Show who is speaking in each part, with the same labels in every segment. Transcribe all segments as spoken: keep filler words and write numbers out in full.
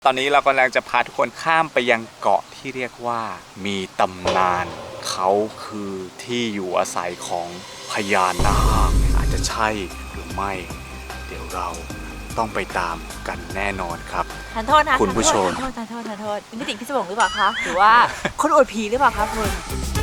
Speaker 1: ตอนนี้เรากำลังจะพาทุกคนข้ามไปยังเกาะที่เรียกว่ามีตำนานเขาคือที่อยู่อาศัยของพญานาคอาจจะใช่หรือไม่เดี๋ยวเราต้องไปตามกันแน่นอนครับ
Speaker 2: ทานโทษนะ
Speaker 1: คุณผู้ชม
Speaker 2: ทานโทษทานโทษทานโทษเป็นมิติพิศวงหรือเปล่าคะหรือว่าคนอวดผีหรือเปล่าคะคุณ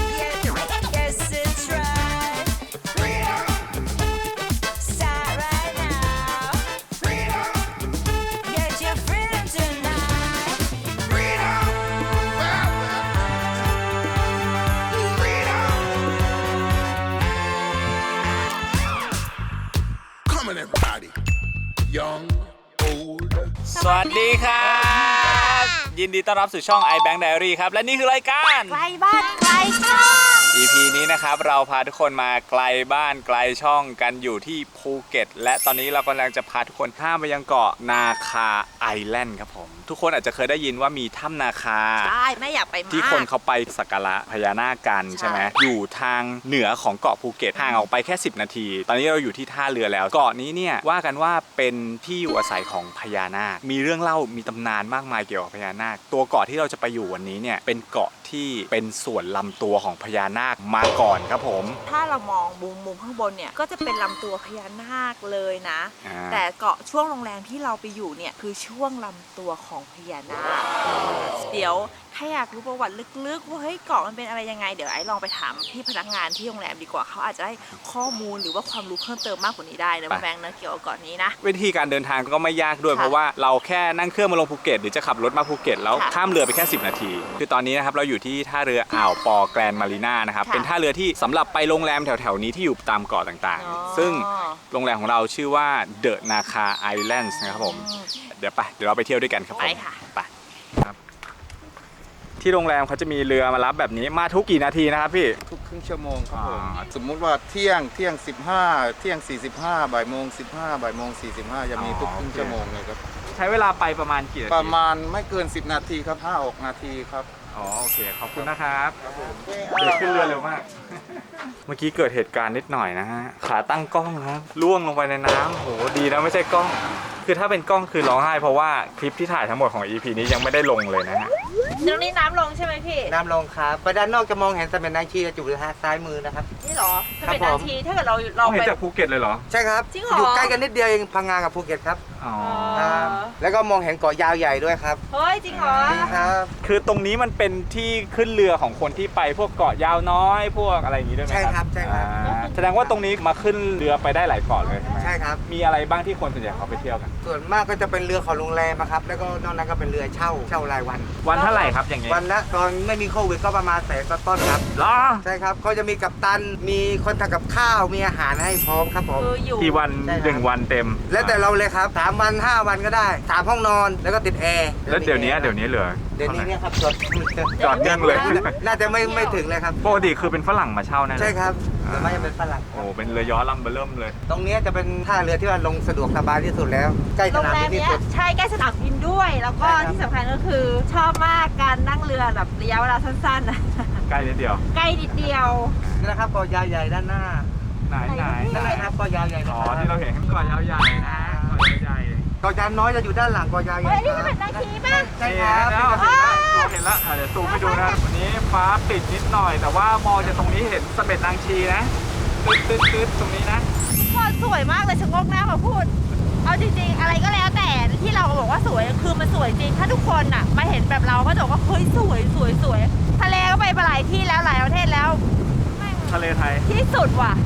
Speaker 1: สวัสดีครับยินดีต้อนรับสู่ช่อง iBank Diary ครับและนี่คือรายการ
Speaker 2: ไกลบ้านไกลช่อง
Speaker 1: อี พี นี้นะครับเราพาทุกคนมาไกลบ้านไกลช่องกันอยู่ที่ภูเก็ตและตอนนี้เรากำลังจะพาทุกคนข้ามไปยังเกาะนาคาไอแลนด์ครับผมทุกคนอาจจะเคยได้ยินว่ามีถ้ำนาคา
Speaker 2: ใช่ไม่อยากไปมาก
Speaker 1: ที่คนเขาไปสักการะพญานาคกันใช่ไหมอยู่ทางเหนือของเกาะภูเก็ตห่างออกไปแค่สิบนาทีตอนนี้เราอยู่ที่ท่าเรือแล้วเกาะนี้เนี่ยว่ากันว่าเป็นที่อยู่อาศัยของพญานาคมีเรื่องเล่ามีตำนานมากมายเกี่ยวกับพญานาคตัวเกาะที่เราจะไปอยู่วันนี้เนี่ยเป็นเกาะที่เป็นส่วนลำตัวของพญานาคมาก่อนครับผม
Speaker 2: ถ้าเรามองมุมมุมข้างบนเนี่ยก็จะเป็นลำตัวพญานาคเลยนะแต่เกาะช่วงโรงแรมที่เราไปอยู่เนี่ยคือช่วงลำตัวของพญานาคเดี๋ยวถ้าอยากรู้ประวัติลึกๆว่าเฮ้ยเกาะมันเป็นอะไรยังไงเดี๋ยวไอ้ลองไปถามพี่พนักงานที่โรงแรมดีกว่าเขาอาจจะได้ข้อมูลหรือว่าความรู้เพิ่มเติมมากกว่านี้ได้นะแบงค์นะเกี่ยวกับเกาะนี้นะ
Speaker 1: วิธีการเดินทางก็ไม่ยากด้วยเพราะว่าเราแค่นั่งเครื่องมาลงภูเก็ตหรือจะขับรถมาภูเก็ตแล้วข้ามเรือไปแค่สิบนาทีคือตอนนี้นะครับเราอยู่ที่ท่าเรืออ่าวปอแกรนมารีนานะครับเป็นท่าเรือที่สำหรับไปโรงแรมแถวๆนี้ที่อยู่ตามเกาะต่างๆซึ่งโรงแรมของเราชื่อว่าเดอะนาคาไอแลนด์นะครับผมเดี๋ยวไปเดี๋ยวเราไปเที่ยวด้วยกันครับผมไปครับที่โรงแรมเขาจะมีเรือมารับแบบนี้มาทุกกี่นาทีนะครับพี่
Speaker 3: ทุกครึ่งชั่วโมงครับผมสมมุติว่าเที่ยงเที่ยงสิบห้าเที่ยงสี่สิบห้าบ่ายโมงสิบห้าบ่ายโมงสี่สิบห้าจะมีทุกครึ่งชั่วโมงเลยครับ
Speaker 1: ใช้เวลาไปประมาณกี่นาที
Speaker 3: ประมาณไม่เกินสิบนาทีครับห้าหกนาทีครับ
Speaker 1: อ๋อโอเคขอบคุณนะครับครับผมเดี๋ยวขึ้นเรือเร็วมากเมื่อกี้เกิดเหตุการณ์นิดหน่อยนะฮะขาตั้งกล้องครับล่วงลงไปในน้ำโหดีนะไม่ใช่กล้องคือถ้าเป็นกล้องคือร้องไห้เพราะว่าคลิปที่ถ่ายทั้งหมดของ อี พี นี้ยังไม่ได้ลงเลยนะฮะ
Speaker 2: ตรงนี้น้ำลงใช่ไหมพี่
Speaker 4: น้ำลงครับไปด้านนอกจะมองเห็นสมเด็จนางชีอยู่ทางซ้ายมือนะครับ
Speaker 2: นี่หรอสมเด็จนางชีถ้าเกิดเราเราไป
Speaker 1: เห็นจากภูเก็ตเลยเหรอ
Speaker 4: ใช่ครับ
Speaker 2: จริงเหรอ
Speaker 4: อยู่ใกล้กันนิดเดียวเองพังงากับภูเก็ตครับ
Speaker 1: อ๋อ
Speaker 4: แล้วก็มองเห็นเกาะยาวใหญ่ด้วยครับ
Speaker 2: เฮ้ยจริงเหรอ
Speaker 4: ครับ
Speaker 1: คือตรงนี้มันเป็นที่ขึ้นเรือของคนที่ไปพวกเกาะยาวน้อยพวกอะไรอย่างนี้ด้วยไหมครับ
Speaker 4: ใช่ครับใช่ครับ
Speaker 1: แสดงว่าตรงนี้มาขึ้นเรือไปได้หลายเกาะเลยใช่ไหม
Speaker 4: ใช่ครับ
Speaker 1: มีอะไรบ้างที่คนส่วนใหญ่เขาไปเที่ยวกัน
Speaker 4: ส่วนมากก็จะเป็นเรือของโรงแรมครับแล้วก็นอกนั้นก็เป็นเรือเช่าเช่ารายวัน
Speaker 1: วันเท่าไหร่ครับอย่างเงี้ย
Speaker 4: วันละตอนไม่มีโควิดก็ประมาณแสนต้นครับ
Speaker 1: หรอ
Speaker 4: ใช่ครับเขาจะมีกัปตันมีคนทำกับข้าวมีอาหารให้พร้อมครับผม
Speaker 1: กี่วันหนึ่งวันเต็ม
Speaker 4: แล้วแต่เราเลยครับสามวันห้าวันก็ได้สามห้องนอนแล้วก็ติดแอร์
Speaker 1: แล้วเดี๋ยวนี้เดี๋ยวนี้เหลือ
Speaker 4: เดี๋ยวนี้เนี่ยครับจอด
Speaker 1: จอดยังเลย
Speaker 4: น่าจะไม่ไม่ถึงเลยครับ
Speaker 1: ปกติคือเป็นฝรั่งมาเช่าแน่
Speaker 4: ใช่ครับแต่ไม่เป็นฝรั่ง
Speaker 1: โอ้เป็นเรือย้อลำเบอร์เริ่มเลย
Speaker 4: ตรงนี้จะเป็นท่าเรือที่ว่าลงสะดวกสบายที่สุดแล้วใกล้สนามบินที่สุด
Speaker 2: ใช่ใกล้สนามบินด้วยแล้วก็ที่สำคัญก็คือชอบมากการนั่งเรือแบบระยะเวลาสั้นๆนะ
Speaker 1: ใกล้นิดเดียว
Speaker 2: ใกล้นิดเดียว
Speaker 4: นี่นะครับเกาะยาวใหญ่ด้านหน้า
Speaker 1: ไหนไหน
Speaker 4: นั่นแหละครับเกาะยาวใหญ่
Speaker 1: อ๋อที่เราเห็นเกาะยาวใหญ่นะเกาะยาวใหญ่
Speaker 4: เกาะยาวน้อยจะอยู่ด้านหลังเกาะยาวใหญ่
Speaker 2: เฮ้ยนี่เป็นนาทีป่ะ
Speaker 4: ใช่ครับ
Speaker 1: เราเห็นแล้วเดี๋ยวซูมให้ดูนะวันนี้ฟ้าปิดนิดหน่อยแต่ว่ามองจากตรงนี้เห็นสมเด็จนางชีนะตึ๊ดตึ๊ดตึ๊ดตรงนี้นะ
Speaker 2: สวยมากเลยชะงกหน้ามาพูดเอาจริงๆอะไรก็แล้วแต่ที่เราบอกว่าสวยคือมันสวยจริงถ้าทุกคนอ่ะมาเห็นแบบเราก็จะบอกว่าเฮ้ยสวยสวยสวยทะเลก็ไปหลายที่แล้วหลายประเทศแล้ว
Speaker 1: ทะเลไทย
Speaker 2: ที่สุดว่ะ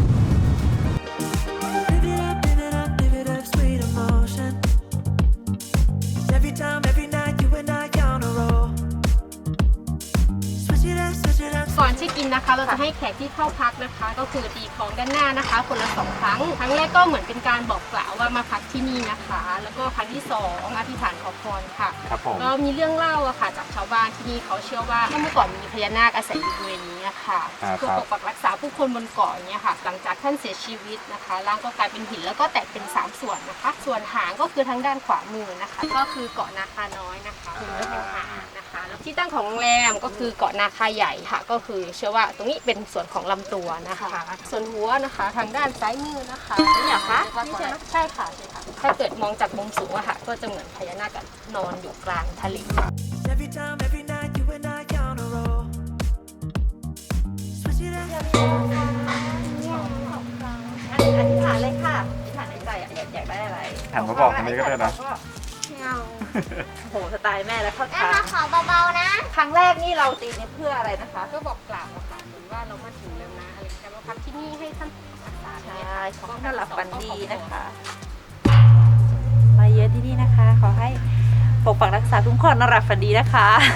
Speaker 5: ก่อนที่กินนะคะเราจะให้แขกที่เข้าพักนะคะก็คือตีของด้านหน้านะคะคนละสองครั้งครั้งแรกก็เหมือนเป็นการบอกกล่าวว่ามาพักที่นี่นะคะแล้วก็ครั้งที่สองอธิษฐานขอพรค่ะก็มีเรื่องเล่าอะค่ะจากชาวบ้านที่นี่เขาเชื่อว่าเมื่อก่อนมีพญานาคอาศัยอยู่บริเวณนี้ค่ะเพื่อปกปักรักษาผู้คนบนเกาะอย่างเงี้ยค่ะหลังจากท่านเสียชีวิตนะคะร่างก็กลายเป็นหินแล้วก็แตกเป็นสามส่วนนะคะส่วนหางก็คือทางด้านขวามือนะคะก็คือเกาะนาคาน้อยนะคะคือเนื้อของหางนะคะแล้วที่ตั้งของโรงแรมก็คือเกาะนาคาใหญ่ค่ะ ก็คือเชื่อว่าตรงนี้เป็นส่วนของลำตัวนะคะ ส่วนหัวนะคะทางด้านซ้ายมือนะคะนี่เหรอคะนี่ใช่ไหมใช่ค่ะใช่ค่ะถ้าเกิดมองจากมุมสูงอะค่ะก็จะเหมือนพญานาคนอนอยู่กลางทะเล
Speaker 6: Every time, every night, you and I on a roll. Switch it up.
Speaker 2: อธิษฐานเลยค่ะอธิษฐานในใจอะอยากอยากได้อะไร
Speaker 1: หันมาบอกคนนี้ก็ได้นะ
Speaker 2: โอ้โหสไตล์แม่แล้วเข้า
Speaker 7: แม่
Speaker 2: ทาง
Speaker 7: มาขอเบาๆนะ
Speaker 2: ครั้งแรกนี่เราตีนี่เพื่ออะไรนะคะ
Speaker 5: ก็บอกกล่าวอะค่ะเหมือนว่าเรามาถึงแล้วนะอะไรแต่มาพักที่นี่ให้ท่านรักษา
Speaker 2: ใช่
Speaker 5: เนี่ย
Speaker 2: ขอให้ท่านหลับฝันดีนะคะ มาเยอะที่นี่นะคะ ขอให้ปกปักรักษาคุ้มครองนอนหลับฝันดีนะคะ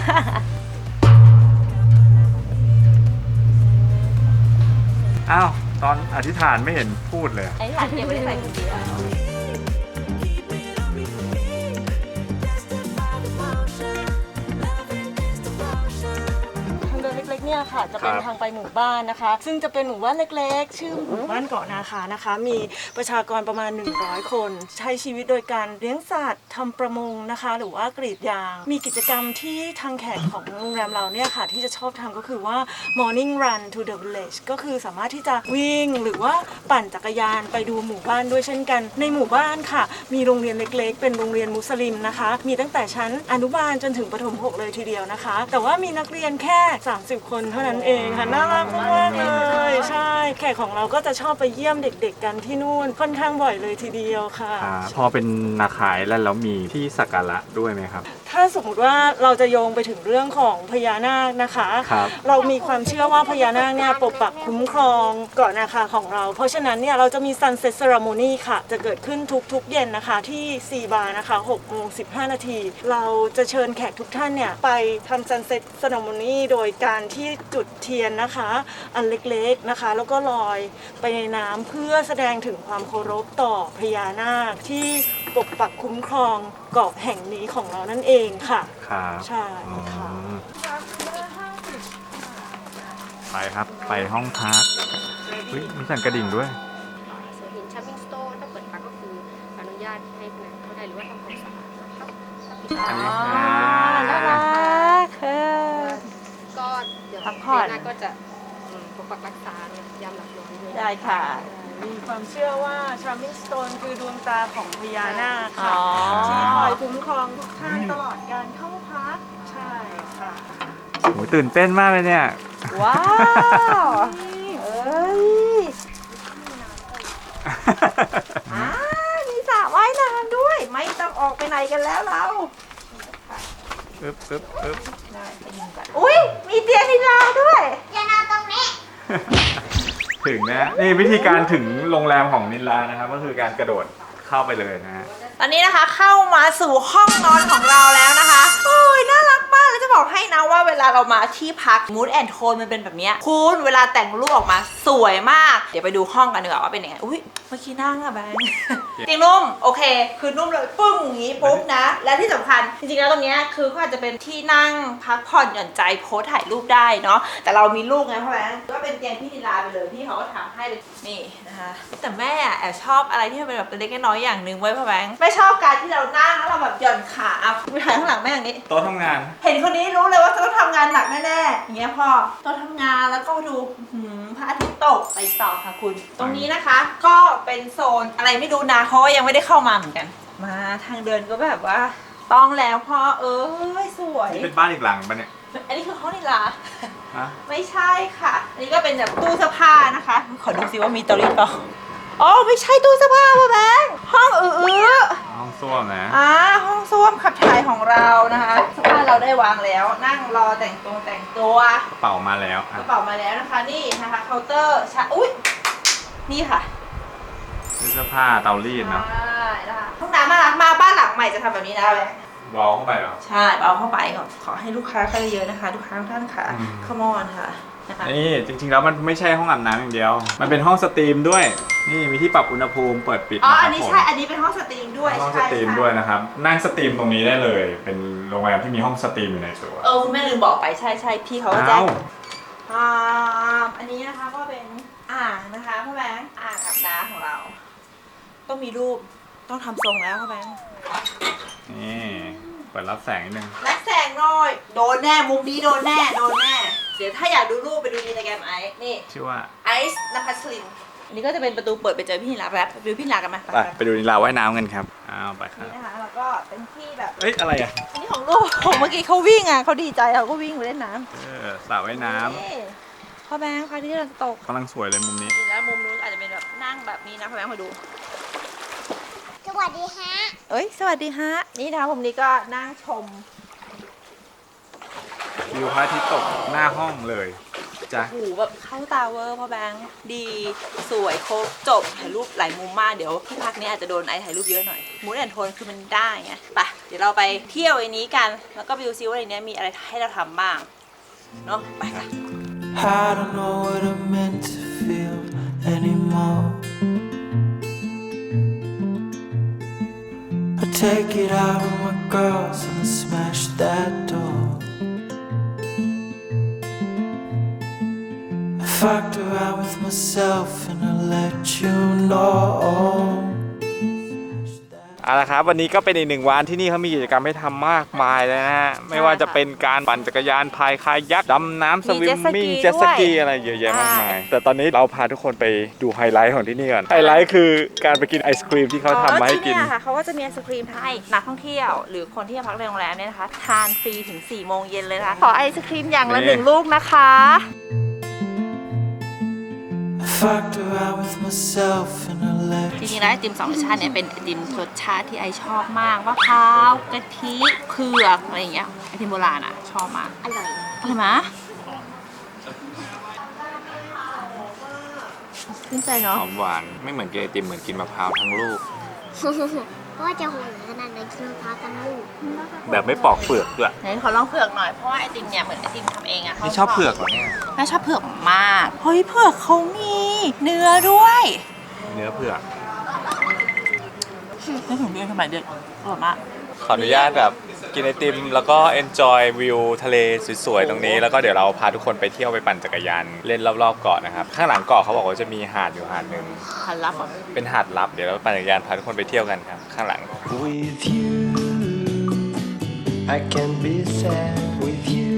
Speaker 1: อ้าวตอนอธิษฐานไม่เห็นพูดเลย
Speaker 2: ไอ้หลานเก็บไว้ใส่คนเดียว
Speaker 6: Keep it on repeat. Justify the motion. Loving is devotion.
Speaker 8: ทางเดินเล็กๆเนี่ยค่ะจะเป็น
Speaker 1: ครับ
Speaker 8: ทางไปหมู่บ้านนะคะ ซึ่งจะเป็นหมู่บ้านเล็กๆ ชื่อหมู่บ้านเกาะนาคานะคะ มีประชากรประมาณ หนึ่งร้อย คน ใช้ชีวิตโดยการเลี้ยงสัตว์ทำประมงนะคะ หรือว่ากรีดยาง มีกิจกรรมที่ทางแขกของโรงแรมเราเนี่ยค่ะ ที่จะชอบทำก็คือว่า morning run to the village ก็คือสามารถที่จะวิ่งหรือว่าปั่นจักรยานไปดูหมู่บ้านด้วยเช่นกัน ในหมู่บ้านค่ะ มีโรงเรียนเล็กๆ เป็นโรงเรียนมุสลิมนะคะ มีตั้งแต่ชั้นอนุบาลจนถึงประถมหกเลยทีเดียวนะคะ แต่ว่ามีนักเรียนแค่ สามสิบ คนเท่านั้นเองค่ะ น่ารักมากๆเลย ใช่ แขกของเราก็จะชอบไปเยี่ยมเด็กๆกันที่นู่น ค่อนข้างบ่อยเลยทีเดียวค่ะ
Speaker 1: อ่าพอเป็นนาคายแล้วแล้วมีที่สักการะด้วยไหมครับ
Speaker 8: ถ้าสมมติว่าเราจะโยงไปถึงเรื่องของพญานาคนะคะ
Speaker 1: ครับ
Speaker 8: เรามีความเชื่อว่าพญานาคเนี่ยปกปักคุ้มครองเกาะนาคาของเรา เพราะฉะนั้นเนี่ยเราจะมี Sunset Ceremony ค่ะ จะเกิดขึ้นทุกๆเย็นนะคะที่ซีบาร์นะคะหกโมงสิบห้านาที เราจะเชิญแขกทุกท่านเนี่ยไปทำ Sunset Ceremony โดยการที่จุดเทียนนะคะ อันเล็กๆนะคะ แล้วก็ลอยไปในน้ำเพื่อแสดงถึงความเคารพต่อพญานาคที่ปกปักคุ้มครองเกาะแห่งนี้ของเรานั่นเองค่ะ
Speaker 1: ครับ
Speaker 8: ใช่ค่ะ
Speaker 1: อืมไปครับไปห้องพักเฮ้ยมีสั่นกระดิ่งด้วย
Speaker 5: ส่วนหินชัมมิงสโตนถ้าเปิดพักก็คืออนุญาตให้พนักงานเข้าได้หรือว่าทำความสะอาดนะคะถ้าปิด
Speaker 1: อันนี้
Speaker 5: ร้าน
Speaker 2: น่ารักค่ะ
Speaker 5: ก็เดี๋ยว
Speaker 2: พักผ่อน
Speaker 5: เดืหน้าก็จะอืมปกปักรักษาเนี่ยยามหลับนอนด้วย
Speaker 2: ได้ค่ะ
Speaker 8: มีความเชื่อว่า Charming Stone คือดวงตาของพญานาคค่ะ
Speaker 2: อ๋อ
Speaker 8: ที่คอยคุ้มครองทุกท่านตลอดการเข้าพัก ใช่ค่ะ
Speaker 1: โหตื่นเต้นมากเลยเนี่ย
Speaker 2: ว้าวเอ้ยอ่ามีสระว่ายน้ำด้วย ไม่ต้องออกไปไหนกันแล้วเรา
Speaker 1: ปึ๊บปึ๊บปึ๊บ
Speaker 2: ได้ไปยิงกันอุ้ยมีเตียงนิลาด้วย
Speaker 7: อย่านอนตรงนี้
Speaker 1: ถึงนะนี่วิธีการถึงโรงแรมของนิลลานะครับ ก็คือการกระโดดเข้าไปเลยนะฮะ
Speaker 2: ตอนนี้นะคะเข้ามาสู่ห้องนอนของเราแล้วนะคะโอ้ยน่ารักมากแล้วจะบอกให้นะว่าเวลาเรามาที่พัก Mood and Tone มันเป็นแบบเนี้ยคุณเวลาแต่งรูปออกมาสวยมาก เดี๋ยวไปดูห้องกันดีกว่าว่าเป็นยังไงอุ้ยเมื่อกี้นั่งอะแบงค์ เตียงนุ่มโอเค คือนุ่มเลยปึ้งอย่างนี้ปุ๊บนะ และที่สำคัญจริงๆแล้วตรงเนี้ยคือก็อาจจะเป็นที่นั่งพักผ่อนหย่อนใจโพสถ่ายรูปได้เนาะแต่เรามีลูกไงพ่อแบงค์ก็เป็นเตียงพี่นิลาไปเลยพี่เขาก็ทำให้เลยนี่นะคะแต่แม่อะแอบชอบอะไรที่มันเป็นแบบเล็กๆน้อยๆอย่างหนึ่งไว้พ่อแบงค์ไม่ชอบการที่เรานั่งแล้วเราแบบหย่อนขาอ่ะไปถ่ายข้างหลังแม่อย่างนี้
Speaker 1: โต๊ะทำงาน
Speaker 2: เห็นคนนี้รู้เลยว่าจะต้องทำงานหนักแน่ๆอย่างเงี้ยพ่อต้องทำงานแล้วก็ดูหืมพระอาทิตย์ตกไปต่อค่ะคุณ ตรงนี้นะคะ ก็เป็นโซนอะไรไม่รู้นะเพราะว่ายังไม่ได้เข้ามาเหมือนกัน มาทางเดินก็แบบว่าต้องแล้วพ่อเอ้ยสวย
Speaker 1: นี่เป็นบ้านอีกหลังปะเนี่ย
Speaker 2: อันนี้คือห้องนิลา
Speaker 1: ฮะ
Speaker 2: ไม่ใช่ค่ะ อันนี้ก็เป็นแบบตู้เสื้อผ้านะคะ ขอดูซิว่ามีเตารีดเปล่าอ๋อไม่ใช่ตู้เสื้อผ้าพ่อแบงค์ห้องอื้อๆ
Speaker 1: ห้องส้วมนะ
Speaker 2: อ่าห้องส้วมขับถ่ายของเรานะคะเสื้อผ้าเราได้วางแล้ว นั่งรอแต่งตัวแต่งตัว
Speaker 1: กระเป๋ามาแล้ว
Speaker 2: ก
Speaker 1: อ่ะ
Speaker 2: ระเป๋ามาแล้วนะคะนี่นะคะเคาน์เตอร์ชาอุ้ยนี่ค่ะ
Speaker 1: เสื้อผ้าเตารีดเนาะ
Speaker 2: ใช่นะคะห้องน้ำน่ารักมากบ้านหลังใหม่จะทำแบบนี้นะแบงค์
Speaker 1: วอลเข้าไปเหรอ
Speaker 2: ใช่เอาเข้าไปก่อนขอให้ลูกค้าเข้าเยอะๆนะคะลูกค้าทุกท่านค่ะ
Speaker 1: อืม
Speaker 2: ขมอนค่ะนะคะ
Speaker 1: นี่จริงๆแล้วมันไม่ใช่ห้องอาบน้ำอย่างเดียว มันเป็นห้องสตรีมด้วย นี่มีที่ปรับอุณหภูมิเปิดปิด
Speaker 2: อ๋อ
Speaker 1: นะค
Speaker 2: อั
Speaker 1: รั
Speaker 2: น
Speaker 1: บ
Speaker 2: นี้
Speaker 1: ผม
Speaker 2: ใช่อันนี้เป็นห้องสตรีมด้วย
Speaker 1: ห้องส
Speaker 2: ใช่
Speaker 1: ตรีม
Speaker 2: ใช่
Speaker 1: ด้วยนะครับ นั่งสตรีมตรงนี้ได้เลย เป็นโรงแรมที่มีห้องสตรีมอยู่ในตัว
Speaker 2: เออคุณแม่ลืมบอกไปใช่ใช่พี่เขาก็แจ้
Speaker 1: อ้าง ว
Speaker 2: อ่าอันนี้นะคะก็เป็นอ่างนะคะพ่อแบงค์อ่างอาบน้ำของเรา ต้องมีรูปต้องทำทรงแล้วพ่อแบงค์
Speaker 1: นี่เปิดรับแสงนิดนึง
Speaker 2: และแสแสงหน่อยโดนแน่มุมนี้โดนแน่โดนแน่เดี๋ยวถ้าอยากดูรูปไปดูในแกรมไอซ์นี่
Speaker 1: ชื่อว่า
Speaker 2: ไอซ์นภัสลินอันนี้ก็จะเป็นประตูเปิดไปเจอพี่นิลาแรปไปดูพี่นิลากันไหม
Speaker 1: ไปไปดูนิลาว่ายน้ำกันครับอ้าวไปครับ
Speaker 2: นี่นะคะแล้วก็เป็นที่แบบ
Speaker 1: เอ้ยอะไรอ่ะ
Speaker 2: อันนี้ของลูกของเมื่อกี้เขาวิ่งอ่ะเขาดีใจเขาก็วิ่งไปเล่นน้ำ
Speaker 1: เออสระว่ายน้
Speaker 2: นี่พ่อแบงค์พระอาที่กำลังตก
Speaker 1: ำกำลังสวยเลยมุมนี้
Speaker 2: จริงแล้วมุมนู้นอาจจะเป็นแบบนั่งแบบนี้นะพ่อแบงค์มาดู
Speaker 7: สวัสดีฮะ
Speaker 2: เอ้ยสวัสดีฮะนี่นะคะมุมนี้ก็นั่งชม
Speaker 1: วิวพระอาทิตย์ตกหน้าห้องเลยจ้ะ
Speaker 2: โอ้โหแบบเข้าตาเวอร์พ่อแบงค์ดีสวยครบจบถ่ายรูปหลายมุมมากเดี๋ยวที่พักนี้อาจจะโดนไอถ่ายรูปเยอะหน่อยมูดแอนโทนคือมันได้ไงไปเดี๋ยวเราไปเที่ยวไอ้นี้กันแล้วก็ไปดูซิว่าในนี้มีอะไรให้เราทำบ้างเนาะไปค่ะ
Speaker 6: I don't know what I'm meant to feel anymore. I take it out on my girls and I smash that door. I fucked around with myself and I let you know.
Speaker 1: เอาละครับวันนี้ก็เป็นอีกหนึ่งวันที่นี่เขามีกิจกรรมให้ทำมากมายเลยนะฮะไม่ว่าจะเป็นการปั่นจักรยานพายคายักดำน้ำสวิมมิ่งเจ็ตสกีอะไรเยอะแยะมากมายแต่ตอนนี้เราพาทุกคนไปดูไฮไลท์ของที่นี่ก่อนไฮไลท์คือการไปกินไอศครีมที่เขาทำมาให้กิน
Speaker 2: ที่เนี่ยค่ะเขาก็จะมีไอศครีมให้นักท่องเที่ยวหรือคนที่มาพักในโรงแรมเนี่ยนะคะทานฟรีถึงสี่โมงเย็นเลยนะคะขอไอศครีมอย่างละหนึ่งลูกนะคะ
Speaker 6: I fucked around with myself and I let
Speaker 2: จริงๆแล้วไอติมสองรสชาติเนี่ยเป็นไอติมรสชาติที่ไอชอบมากมะพร้าวกะทิเผือกอะไรอย่างเงี้ยไอติมโบราณอ่ะชอบมาก
Speaker 7: อร่อย
Speaker 2: อร่อยไหมขึ้นใจ
Speaker 1: ห
Speaker 2: เนาะ
Speaker 1: อมหวานไม่เหมือนกินไอติมเหมือนกินมะพร้าวทั้งลูก
Speaker 7: เพราะว่าจะหวยขนาดไหนกินมะพร้าวทั้งลูก
Speaker 1: แบบไม่ปอกเปลือกด้วย
Speaker 2: ไหนขอลองเผือกหน่อยเพราะว่าไอติมเนี่ยเหมือนไอติมทำเองอะ
Speaker 1: นี่ชอบเผือกเหรอเนี่ย
Speaker 2: แม่ชอบเผือกมากเฮ้ยเผือกเขามีเนื้อด้วย
Speaker 1: เนื้อเผือก
Speaker 2: นึกถึงเดือนสมัยเด็กอร่อยมาก
Speaker 1: ขออนุญาตแบบกินไอติมแล้วก็ enjoy วิวทะเลสวยๆตรงนี้แล้วก็เดี๋ยวเราพาทุกคนไปเที่ยวไปปั่นจักรยานเล่นรอบๆเกาะนะครับข้างหลังเกาะเขาบอกว่าจะมีหาดอยู่หาดหนึ่ง
Speaker 2: หันลับอ่ะ
Speaker 1: เป็นหาดลับเดี๋ยวเราปั่นจักรยานพาทุกคนไปเที่ยวกันครับข้างหลัง
Speaker 6: with you. I can be sad with you.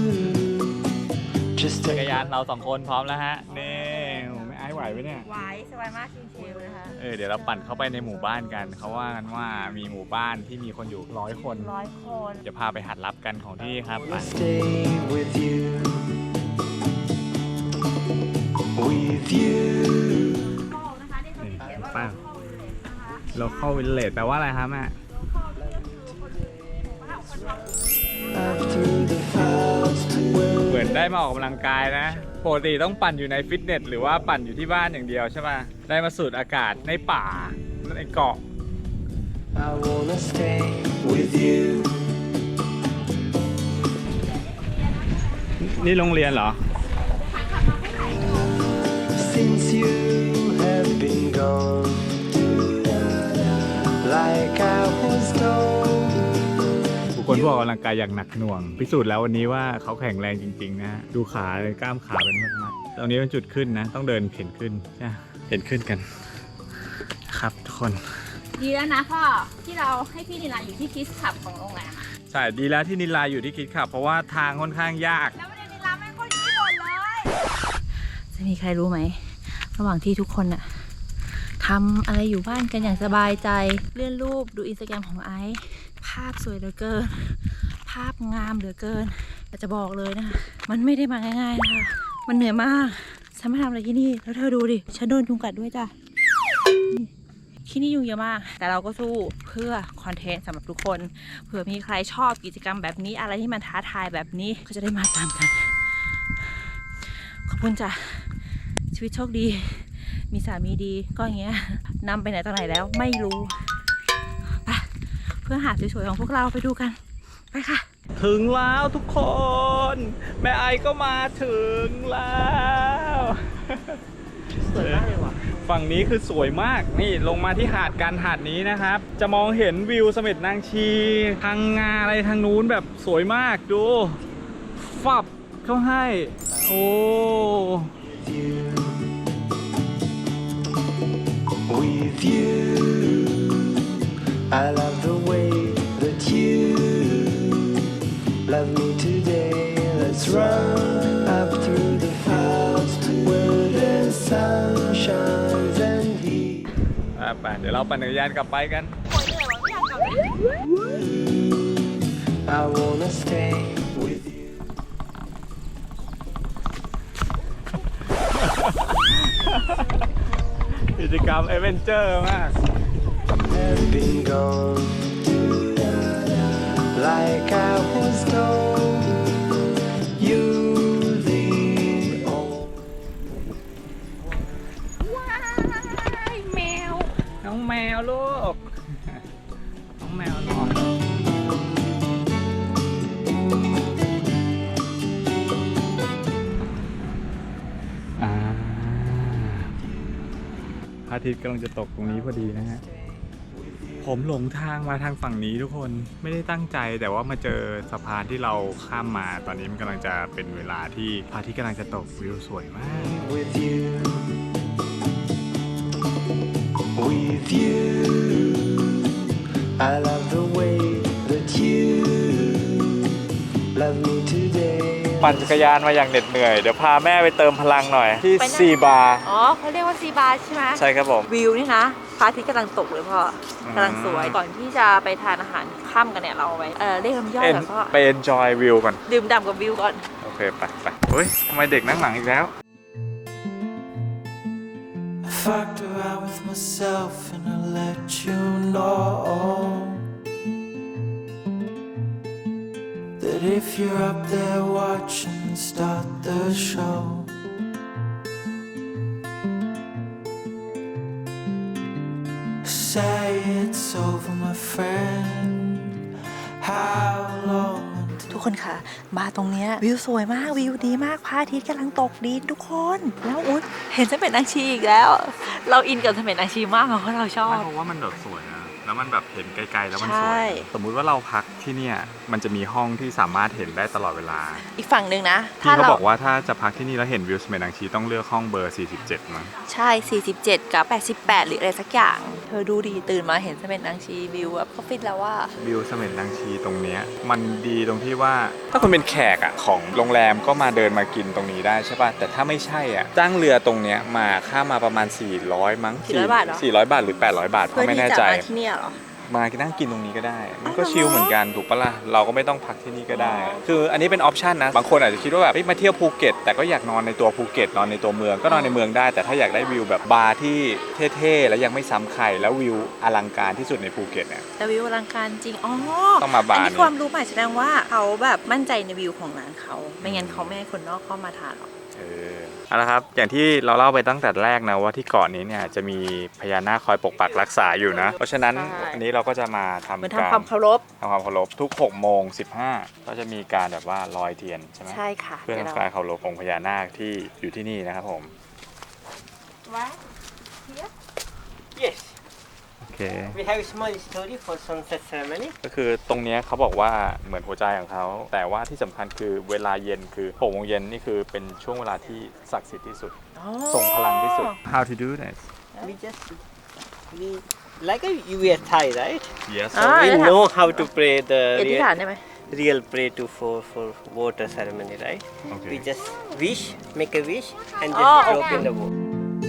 Speaker 6: Just
Speaker 1: จักร
Speaker 6: take
Speaker 1: ยานเราสองคนพร้อมแล้วฮะนี่ไม่ไอ้ไหวไหมเนี่ย
Speaker 2: ไว้สบายมากชิลๆนะคะ
Speaker 1: เออเดี๋ยวเราปั่นเข้าไปในหมู่บ้านกันเขาว่ากันว่ามีหมู่บ้านที่มีคนอยู่ร้อยคน
Speaker 2: ร้อยคน
Speaker 1: จะพาไปหาดลับกันของที่นี่ครับไป
Speaker 6: stay with you. With you.
Speaker 1: นี่ป้า local village แปลว่าอะไรครับแม่
Speaker 6: Up through the clouds to where
Speaker 1: เหมือนได้มาออกกำลังกายนะปกติต้องปั่นอยู่ในฟิตเนสหรือว่าปั่นอยู่ที่บ้านอย่างเดียวใช่ป่ะได้มาสูดอากาศในป่าในเกาะ
Speaker 6: I wanna stay with you.
Speaker 1: นี่โรงเรียนเหรอ
Speaker 6: Since you have been gone, like I was told.
Speaker 1: บุคคลผู้ออกกำลังกายอย่างหนักหน่วง พิสูจน์แล้ววันนี้ว่าเขาแข็งแรงจริงๆนะฮะดูขาเลยกล้ามขาเป็นมัดๆตรงนี้เป็นจุดขึ้นนะ ต้องเดินเข็นขึ้นใช่เข็นขึ้นกัน ครับทุกคน
Speaker 2: ดีแล้วนะพ่อที่เราให้พี่นิลาอยู่ที่คิสขับของโรงแรมอะ
Speaker 1: ใช่ดีแล้วที่นิลาอยู่ที่คิดขับ เพราะว่าทางค่อนข้างยาก
Speaker 2: แล้วไม่ได้นิลาแม่งก็อยู่ที่หมดเลย จะมีใครรู้ไหมระหว่างที่ทุกคนอะทำอะไรอยู่บ้านกันอย่างสบายใจเลื่อนรูปดูอินสตาแกรมของไอซ์ภาพสวยเหลือเกิน ภาพงามเหลือเกินแต่จะบอกเลยนะคะมันไม่ได้มาง่ายๆนะคะมันเหนื่อยมากฉันมาทำอะไรที่นี่แล้วเธอดูดิฉันโดนยุงกัดด้วยจ้ะที่นี่ยุงเยอะมากแต่เราก็สู้เพื่อคอนเทนต์สำหรับทุกคนเผื่อมีใครชอบกิจกรรมแบบนี้อะไรที่มันท้าทายแบบนี้ก็จะได้มาตามกันขอบคุณจ้ะชีวิตโชคดีมีสามีดีก็อย่างเงี้ยนำไปไหนต่อไหนแล้วไม่รู้ไปเพื่อหาดสวยๆของพวกเราไปดูกันไปค่ะ
Speaker 1: ถึงแล้วทุกคน แม่ไอก็มาถึงแล้วสวยมากเลยว่ะฝั่งนี้คือสวยมากนี่ลงมาที่หาดกันหาดนี้นะครับ จะมองเห็นวิวเสม็ดนางชีทางงาอะไรทางนู้นแบบสวยมากดูฟับเข้าให้โอ้
Speaker 6: With you, I love the way that you Love me today, let's run up through the fields where the sun shines and heat.
Speaker 1: อ่ะไปเดี๋ยวเราปั่นจักรยานกลับไปกัน
Speaker 6: I wanna stay with you.
Speaker 1: กิจกรรมเอเวนเจอร์มาก
Speaker 6: Have been gone like I was told. You the old.
Speaker 1: น้องแมวลูก น้องแมวน้อยอ่าพระอาทิตย์กำลังจะตกตรงนี้พอดีนะฮะ ผมหลงทางมาทางฝั่งนี้ทุกคนไม่ได้ตั้งใจแต่ว่ามาเจอสะพานที่เราข้ามมาตอนนี้มันกำลังจะเป็นเวลาที่พระอาทิตย์กำลังจะตกวิวสวยมาก
Speaker 6: With you, with you, I love the way that you love me today.
Speaker 1: ปั่นจักรยานมาอย่างเหน็ดเหนื่อยเดี๋ยวพาแม่ไปเติมพลังหน่อยที่
Speaker 2: ไปไหน
Speaker 1: ซีบาร์
Speaker 2: อ๋อเขาเรียกว่าซีบาร์ใช่ไหม
Speaker 1: ใช่ครับผม
Speaker 2: วิวนี่นะพระอาทิตย์กำลังตกเลยพ่อ
Speaker 1: อืม
Speaker 2: กำลังสวยก่อนที่จะไปทานอาหารค่ำกันเนี่ยเราไปเออเรียกน้ำย่อย
Speaker 1: เอ็น
Speaker 2: แล้วก็
Speaker 1: ไป enjoy วิวก่อน
Speaker 2: ดื่มด่ำกับวิวก่อน
Speaker 1: โอเคไปไปเฮ้ยทำไมเด็กนั่งหลังอีกแล้ว
Speaker 6: I fucked around with myself and I let you know that if you're up there watching, start the show. Say it's over, my friend. How long?
Speaker 2: ทุกคนคะมาตรงเนี้ยวิวสวยมากวิวดีมากพระอาทิตย์กำลังตกดินทุกคนแล้วอุ๊ยเห็นเสม็ดนางชีอีกแล้ว เราอินกับเสม็ดนางชีมากเพราะเราชอบ
Speaker 1: เพราะว่ามันแบบสวยนะแล้วมันแบบเห็นไกลๆแล้วมันส
Speaker 2: ใช่
Speaker 1: วยสมมุติว่าเราพักที่เนี่ยมันจะมีห้องที่สามารถเห็นได้ตลอดเวลา
Speaker 2: อีกฝั่งหนึ่งนะ
Speaker 1: ที่เขาบอกว่าถ้าจะพักที่นี่แล้วเห็นวิวสเมนังชีต้องเลือกห้องเบอร์สี่สิบเจ็ดมั้ง
Speaker 2: ใช่ สี่สิบเจ็ด กับ แปดสิบแปด หรืออะไรสักอย่าง เธอดูดีตื่นมาเห็นเสม็ดนางชีวิวแบบก็ฟิตแล้วว่า
Speaker 1: วิวเสม็ดนางชีตรงเนี้ยมันดีตรงที่ว่าถ้าคุณเป็นแขกอ่ะของโรงแรมก็มาเดินมากินตรงนี้ได้ใช่ป่ะแต่ถ้าไม่ใช่อ่ะจ้างเรือตรงเนี้ยมาค่ามาประมาณสี่ร้อยมั้ง
Speaker 2: สี่ร้อยบาทเหรอ
Speaker 1: สี่ร้อยบาทหรือแปดร้อยบาทเพ
Speaker 2: เพื่อ
Speaker 1: ราะไม่
Speaker 2: ที่
Speaker 1: แน่
Speaker 2: จะ
Speaker 1: ใจ
Speaker 2: มาที่เนี่ยเหรอ
Speaker 1: มานั่งกินตรงนี้ก็ได้ มันก็
Speaker 2: อ๋อเหรอ
Speaker 1: ชิลเหมือนกันถูกปะล่ะเราก็ไม่ต้องพักที่นี่ก็ได้ คืออันนี้เป็นออปชันนะบางคนอาจจะคิดว่าแบบเฮ้ยมาเที่ยวภูเก็ตแต่ก็อยากนอนในตัวภูเก็ตนอนในตัวเมืองก็นอนในเมืองได้ แต่ถ้าอยากได้วิวแบบบาร์ที่เท่ๆแล้วยังไม่ซ้ำใครแล้ววิวอลังการที่สุดในภูเก็ตเนี่ย
Speaker 2: แต่วิวอลังการจริง อ๋อ
Speaker 1: ต้องมาบาร์
Speaker 2: อัน
Speaker 1: นี้
Speaker 2: นี้ความรู้ใหม่แสดงว่าเขาแบบมั่นใจในวิวของร้านเขา ไม่งั้นเขาไม่ให้คนนอกเข้ามาทานหรอก
Speaker 1: เออเอาละครับอย่างที่เราเล่าไปตั้งแต่แรกนะว่าที่เกาะนี้เนี่ยจะมีพญานาคคอยปกปักรักษาอยู่นะเพราะฉะนั้น
Speaker 2: ใช่
Speaker 1: อันนี้เราก็จะมาทำ
Speaker 2: เหมือน
Speaker 1: การ
Speaker 2: ทำความเคารพ
Speaker 1: ทำความเคารพทุกหกโมงสิบห้าก็จะมีการแบบว่าลอยเทียนใช่ไหม
Speaker 2: ใช่ค่ะ
Speaker 1: เพื่อทำการเคารพองค์พญานาคที่อยู่ที่นี่นะครับผม
Speaker 9: Yes,
Speaker 1: โอเค
Speaker 9: we have a small story for sunset ceremony.
Speaker 1: ก็คือตรงเนี้ยเขาบอกว่าเหมือนหัวใจของเขาแต่ว่าที่สำคัญคือเวลาเย็นคือหกโมงเย็นนี่คือเป็นช่วงเวลาที่ศักดิ์สิทธิ์ที่สุดทรงพลังที่สุด How to do this
Speaker 9: We just we like a you wear Thai, right?
Speaker 1: Yes
Speaker 9: So we know how to pray
Speaker 2: อ
Speaker 9: the
Speaker 2: ธิษฐาน
Speaker 9: real,
Speaker 2: ได้ไหม
Speaker 9: real pray to for for water ceremony, right?
Speaker 1: Okay.
Speaker 9: We just wish, make a wish, and
Speaker 2: Oh,
Speaker 9: just drop
Speaker 2: okay.
Speaker 9: in the water.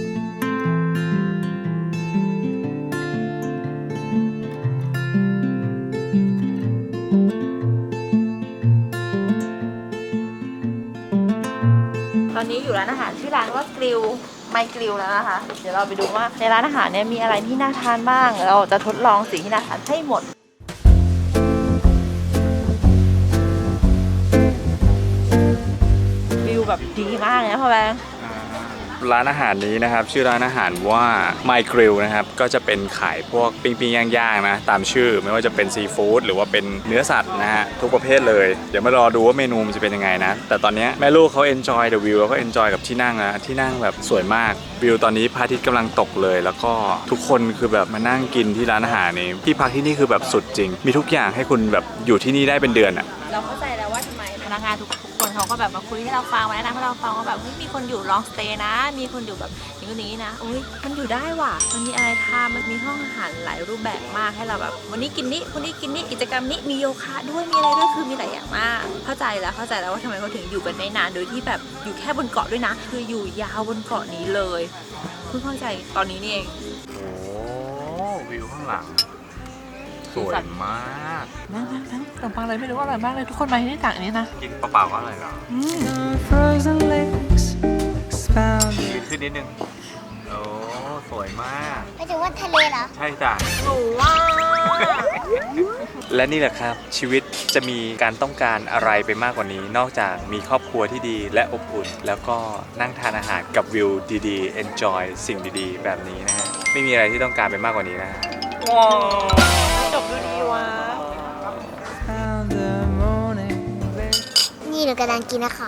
Speaker 2: ตอนนี้อยู่ร้านอาหารชื่อร้านว่ากริลไมกริลแล้วนะคะ เดี๋ยวเราไปดูว่าในร้านอาหารเนี่ยมีอะไรที่น่าทานบ้าง เราจะทดลองสิ่งที่น่าทานให้หมด วิวแบบดีมากเลยนะพ่อแบงค์
Speaker 1: ร้านอาหารนี้นะครับชื่อร้านอาหารว่า My Grill นะครับก็จะเป็นขายพวกปิ้งปิ้งย่างๆนะตามชื่อไม่ว่าจะเป็นซีฟู้ดหรือว่าเป็นเนื้อสัตว์นะฮะทุกประเภทเลยเดี๋ยวมารอดูว่าเมนูมันจะเป็นยังไงนะแต่ตอนนี้แม่ลูกเขา enjoy the view แล้วก็ enjoy กับที่นั่งนะที่นั่งแบบสวยมากวิวตอนนี้พระอาทิตย์กำลังตกเลย แล้วก็ทุกคนคือแบบมานั่งกินที่ร้านอาหารนี้ที่พักที่นี่คือแบบสุดจริงมีทุกอย่างให้คุณแบบอยู่ที่นี่ได้เป็นเดือนอ่ะ
Speaker 2: เราเข้าใจแล้วว่าทำไมพนักงานทุกคนเขาก็แบบมาคุยให้เราฟังมาแนะนำให้เราฟังว่าแบบเฮ้ยมีคนอยู่ลองสเตย์นะ มีคนอยู่แบบอย่างนี้นะอุ้ยมันอยู่ได้ว่ะมันมีอะไรทำมันมีห้องอาหารหลายรูปแบบมากให้เราแบบวันนี้กินนี้วันนี้กินนี้กิจกรรมนี้มีโยคะด้วยมีอะไรด้วยคือมีหลายอย่างมากใจแล้วเข้าใจแล้วว่าทำไมเขาถึงอยู่กันได้นานโดยที่แบบอยู่แค่บนเกาะด้วยนะคืออยู่ยาวบนเกาะนี้เลยเพิ่งเข้าใจตอนนี้นี่เอง
Speaker 1: โอ้วิวข้างหลังสวยมาก
Speaker 2: นั่งนั่งนั่งขนมปังอะไรไม่รู้อร่อยมากเลยทุกคนมาที่นี่ต่างอันนี้นะ
Speaker 1: กินเปล่าๆก็อร่อยแล้ว
Speaker 6: Frozen lakes expounded.
Speaker 1: ยืนขึ้นนิดนึงโอ้สวยมาก
Speaker 7: ไปถึงว่าทะเลเหรอ
Speaker 1: ใช่จ้ะ
Speaker 2: หนูว่า
Speaker 1: และนี่แหละครับชีวิตจะมีการต้องการอะไรไปมากกว่านี้ นอกจากมีครอบครัวที่ดีและอบอุ่น แล้วก็นั่งทานอาหารกับวิวดีๆ enjoy สิ่งดีๆ แบบนี้นะฮะไม่มีอะไรที่ต้องการไปมากกว่านี้นะฮะ
Speaker 2: ว้าวจบดูดีวะ
Speaker 6: Found the morning light
Speaker 7: นี่หนูกำลังกินนะคะ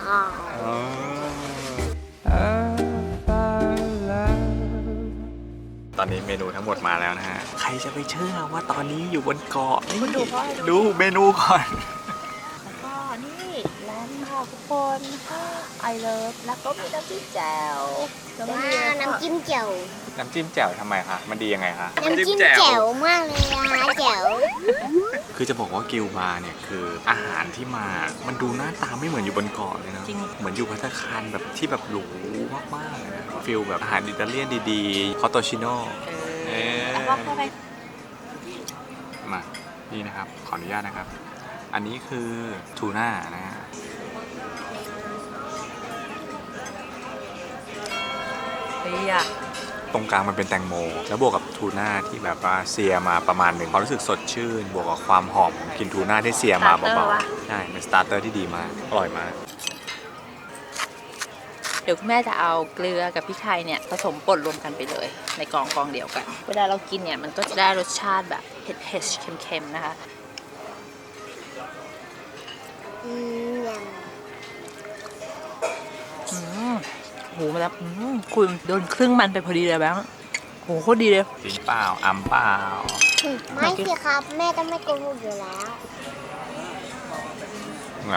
Speaker 6: of our love.
Speaker 1: ตอนนี้เมนูทั้งหมดมาแล้วนะฮะใครจะไปเชื่อว่าตอนนี้อยู่บนเกาะนี่
Speaker 2: คุณดูเพราะอะไร
Speaker 1: ดูเมนูก่อน
Speaker 2: แล้วก็นี่แลนด์ค่ะทุกคนไอเลิฟแล้วก็มีน้ำจิ้มแจ่วแล้วก็
Speaker 7: ว้า
Speaker 2: มี
Speaker 7: วน้ำจิ้มแจ่ว
Speaker 1: น้ำจิ้มแจ่วทำไมคะมันดียังไงคะ
Speaker 7: น้ำจิ้มแจ่วมากเลยอะแจ่ว
Speaker 1: คือจะบอกว่ากิลบาร์เนี่ยคืออาหารที่มา มันดูหน้าตาไม่เหมือนอยู่บนเกาะเลยนะ
Speaker 2: จริง
Speaker 1: เหมือนอยู่ภัตตาคารแบบที่แบบหรูมากๆเลยนะฟิลแบบอาหารอิตาเลียนดีๆคอตโตชิโน่
Speaker 2: เออแล้วก็เข้าไป
Speaker 1: มานี่นะครับขออนุญาตนะครับ อันนี้คือทูน่านะฮะ
Speaker 2: เฮ้ยอะ
Speaker 1: ตรงกลางมันเป็นแตงโม แล้วบวกกับทูน่าที่แบบว่าเซียมาประมาณหนึ่งความรู้สึกสดชื่น บวกกับความหอมของกลินทูน่าที่เซียมาเบาๆใช่เป็นสตาร์เตอร์ที่ดีมากอร่อยมาก
Speaker 2: เดี๋ยวคุณแม่จะเอาเกลือกับพริกไทยเนี่ยผสมป่นรวมกันไปเลย ในกองกองเดียวกัน เวลาเรากินเนี่ยมันก็จะได้รสชาติแบบเผ็ดๆเค็มๆนะคะ
Speaker 7: อืมย
Speaker 2: อืมโหมาแล้วอืมคุณโดนครึ่งมันไปพอดีเลยแบงค์โหโคตรดีเลย
Speaker 1: จริงเปล่าอัมเปล่า
Speaker 7: ำไม่สิครับ แม่ต้องไม่โกหกอยู่แล้ว
Speaker 1: แบบ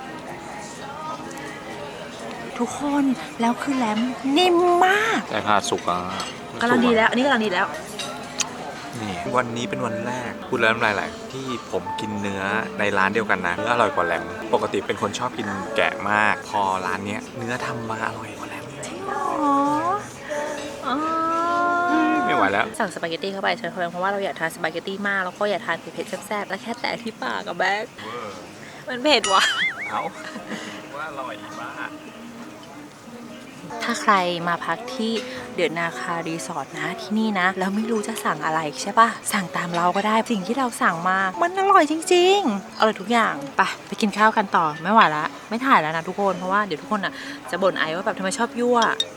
Speaker 2: ทุกคนแล้วคือแหลมนิ่มมาก
Speaker 1: ใช่ผ้าสุกอ่ะ
Speaker 2: กำลังดีแล้ว อันนี้กำลังดีแล้ว
Speaker 1: นี่วันนี้เป็นวันแรกพูดแล้วน้ำลายไหลที่ผมกินเนื้อในร้านเดียวกันนะเนื้ออร่อยกว่าแหลมปกติเป็นคนชอบกินแกะมาก พอร้านเนี้ยเนื้อทำมาอร่อยกว่าแหลม
Speaker 2: อ๋ออ๋อ
Speaker 1: ไม่ไหวแล้ว
Speaker 2: สั่งสปาเกตตี้เข้าไปเชิญเพราะว่าเราอยากทานสปาเกตตี้มากแล้วก็อยากทานเผ็ดๆแซ่บๆแล้วแค่แตะที่ปากกับแบ๊กมันเผ็ดว่ะ
Speaker 1: เอาว่าอร่อยมาก
Speaker 2: ถ้าใครมาพักที่เดือดนาคารีสอร์ทนะที่นี่นะแล้วไม่รู้จะสั่งอะไรใช่ปะสั่งตามเราก็ได้สิ่งที่เราสั่งมามันอร่อยจริงๆอร่อยทุกอย่างไปไปกินข้าวกันต่อไม่ไหวละไม่ถ่ายแล้วนะทุกคนเพราะว่าเดี๋ยวทุกคนอ่ะจะบ่นไอว่าแบบทำไมชอบยั่ว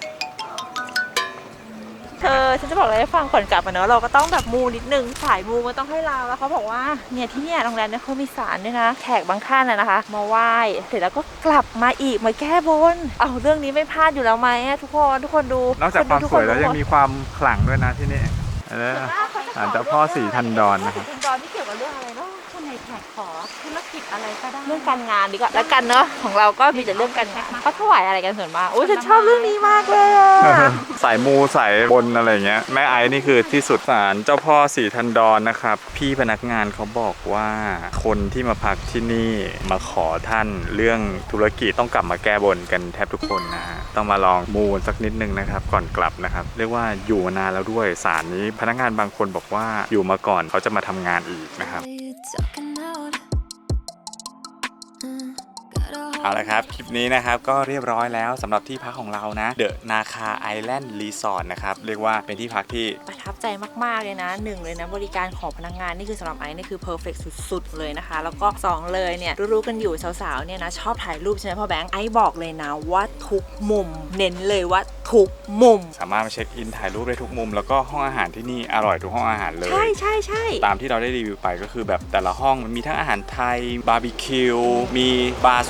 Speaker 2: เธอฉันจะบอกอะไรให้ฟังก่อนกลับมาเนอะเราก็ต้องแบบมูนิดนึงสายมูมันต้องให้เราแล้วเขาบอกว่าเนี่ยที่เนี่ยโรงแรมเนี่ยเขามีศาลด้วยนะแขกบางท่านนะนะคะมาไหว้เสร็จแล้วก็กลับมาอีกมาแก้บนเอาเรื่องนี้ไม่พลาดอยู่แล้วไหมทุกคนทุกคนดู
Speaker 1: นอกจากความสวยแล้วยังมีความขลังด้วยนะที่นี่ศาลเจ้าพ่อสีทันดรนะครับ
Speaker 2: ทันดรที่เกี่ยวกับเรื่องอะไรเนาะคนในแขกขอธุรกิจอะไรก็ได้เรื่องการงานดีกว่าแล้วกันเนาะของเราก็มีแต่เรื่องการงานเขาถวายอะไรกันส่วนมากโอ้ยฉันชอบเรื่องนี้มากเลยอะ
Speaker 1: สายมูสายบนอะไรเงี้ยแม่ไอ้นี่คือที่สุดศาลเจ้าพ่อสีทันดรนะครับพี่พนักงานเขาบอกว่าคนที่มาพักที่นี่มาขอท่านเรื่องธุรกิจต้องกลับมาแก้บนกันแทบทุกคนนะฮะต้องมาลองมูสักนิดนึงนะครับก่อนกลับนะครับเรียกว่าอยู่มานานแล้วด้วยศาลนี้พนักงานบางคนบอกว่าอยู่มาก่อนเขาจะมาทำงานอีกนะครับ เอาละครับคลิปนี้นะครับก็เรียบร้อยแล้วสำหรับที่พักของเรานะเดอะนาคาไอแลนด์รีสอร์ทนะครับเรียกว่าเป็นที่พักที่ประทับใจมากๆเลยนะหนึ่งเลยนะบริการของพนักงานนี่คือสำหรับไอซ์นี่คือเพอร์เฟกต์สุดๆเลยนะคะแล้วก็สองเลยเนี่ยรู้ๆกันอยู่สาวๆเนี่ยนะชอบถ่ายรูปใช่ไหมพ่อแบงค์ไอซ์บอกเลยนะว่าทุกมุมเน้นเลยว่าทุกมุมสามารถมาเช็คอินถ่ายรูปได้ทุกมุมแล้วก็ห้องอาหารที่นี่อร่อยทุกห้องอาหารเลยใช่ใช่ใช่ตามที่เราได้รีวิวไปก็คือแบบแต่ละห้องมันมีทั้งอาหารไทยบาร์บีคิวมีบาร์สวย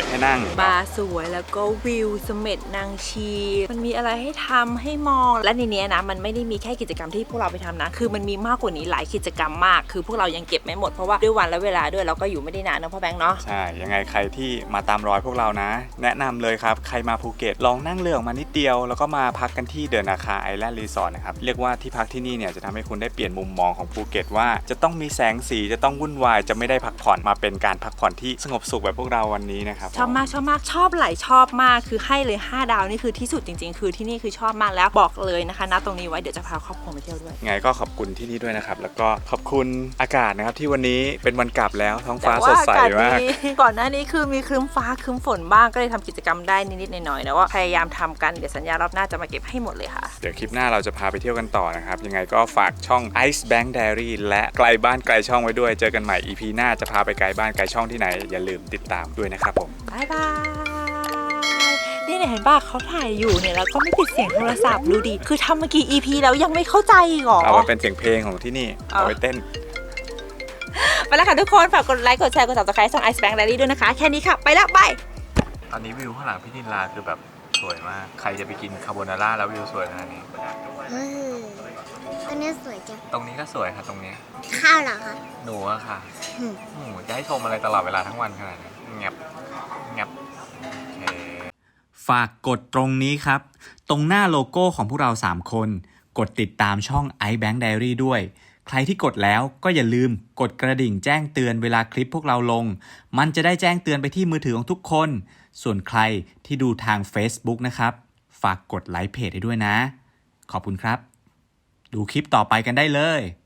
Speaker 1: ให้นั่ง
Speaker 2: บาร์สวยแล้วก็วิวเสม็ดนางชีมันมีอะไรให้ทำให้มองและในนี้นะมันไม่ได้มีแค่กิจกรรมที่พวกเราไปทำนะคือมันมีมากกว่านี้หลายกิจกรรมมากคือพวกเรายังเก็บไม่หมดเพราะว่าด้วยวันและเวลาด้วยเราก็อยู่ไม่ได้นานนะพ่อแบงค์เนาะ
Speaker 1: ใช่ยังไงใครที่มาตามรอยพวกเรานะแนะนำเลยครับใครมาภูเก็ตลองนั่งเรือออกมานิดเดียวแล้วก็มาพักกันที่เดอะนาคาไอแลนด์รีสอร์ทนะครับเรียกว่าที่พักที่นี่เนี่ยจะทำให้คุณได้เปลี่ยนมุมมองของภูเก็ตว่าจะต้องมีแสงสีจะต้องวุ่นวายจะไม่ได้พักผ่อนมาเป็นการพักผ่อนที่สงบสุขแบบพวกเราวันนี้นะครับ
Speaker 2: ชอบมากชอบมากชอบหลายชอบมากคือให้เลยห้าดาวนี่คือที่สุดจริงๆคือที่นี่คือชอบมากแล้วบอกเลยนะคะณตรงนี้ไว้เดี๋ยวจะพาครอบครัวมาเที่ยวด้วย
Speaker 1: ไงก็ขอบคุณที่นี่ด้วยนะครับแล้วก็ขอบคุณอากาศนะครับที่วันนี้เป็นวันกลับแล้วท้องฟ้าสดใสมาก
Speaker 2: ก่อนหน้านี้คือมีครึ้มฟ้าครึ้มฝนบ้างก็เลยทำกิจกรรมได้นิดๆหน่อยๆแต่ว่าพยายามทำกันเดี๋ยวสัญญารอบหน้าจะมาเก็บให้หมดเลยค่ะ
Speaker 1: เดี๋ยวคลิปหน้าเราจะพาไปเที่ยวกันต่อนะครับยังไงก็ฝากช่อง Ice Bank Diary และไกลบ้านไกลช่องไว้ด้วยเจอกันใหม่ อี พี หน้าจะพาไปไกลบ้านไกลช่องที่ไหนอย่าลืมติดตามด้วยนะครับผม
Speaker 2: บายบายนี่เนี่ยเห็นป่ะเขาถ่ายอยู่เนี่ยแล้วก็ไม่ปิดเสียงโทรศัพท์ดูดิคือทำมากี่ อี พี แล้วยังไม่เข้าใจอีกเหรอ
Speaker 1: เอามาเป็นเสียงเพลงของที่นี่เอาไปเต้น
Speaker 2: ไปแล้วค่ะทุกคนฝากกดไลค์กดแชร์กด ซับสไครบ์ ช่อง Ice Bank Diary ด้วยนะคะแค่นี้ค่ะไปแล้วบาย
Speaker 1: ตอนนี้วิวข้างหลังพี่นิลาคือแบบสวยมากใครจะไปกินคาโบนาร่าแล้ววิวสวยขนาดนี้
Speaker 7: เอออันนี้สวยจัง
Speaker 1: ตรงนี้ก็สวยค่ะตรงนี้
Speaker 7: ข้าวเหรอคะ
Speaker 1: หนูอะค่ะ
Speaker 7: อืม
Speaker 1: หนูจะให้ชมอะไรตลอดเวลาทั้งวันขนาดนี้เงียบเงียบโอเคฝากกดตรงนี้ครับ ตรงหน้าโลโก้ของพวกเราสามคนกดติดตามช่อง Ice Bank Diary ด้วยใครที่กดแล้วก็อย่าลืมกดกระดิ่งแจ้งเตือนเวลาคลิปพวกเราลงมันจะได้แจ้งเตือนไปที่มือถือของทุกคนส่วนใครที่ดูทาง Facebook นะครับฝากกดไลค์เพจให้ด้วยนะขอบคุณครับดูคลิปต่อไปกันได้เลย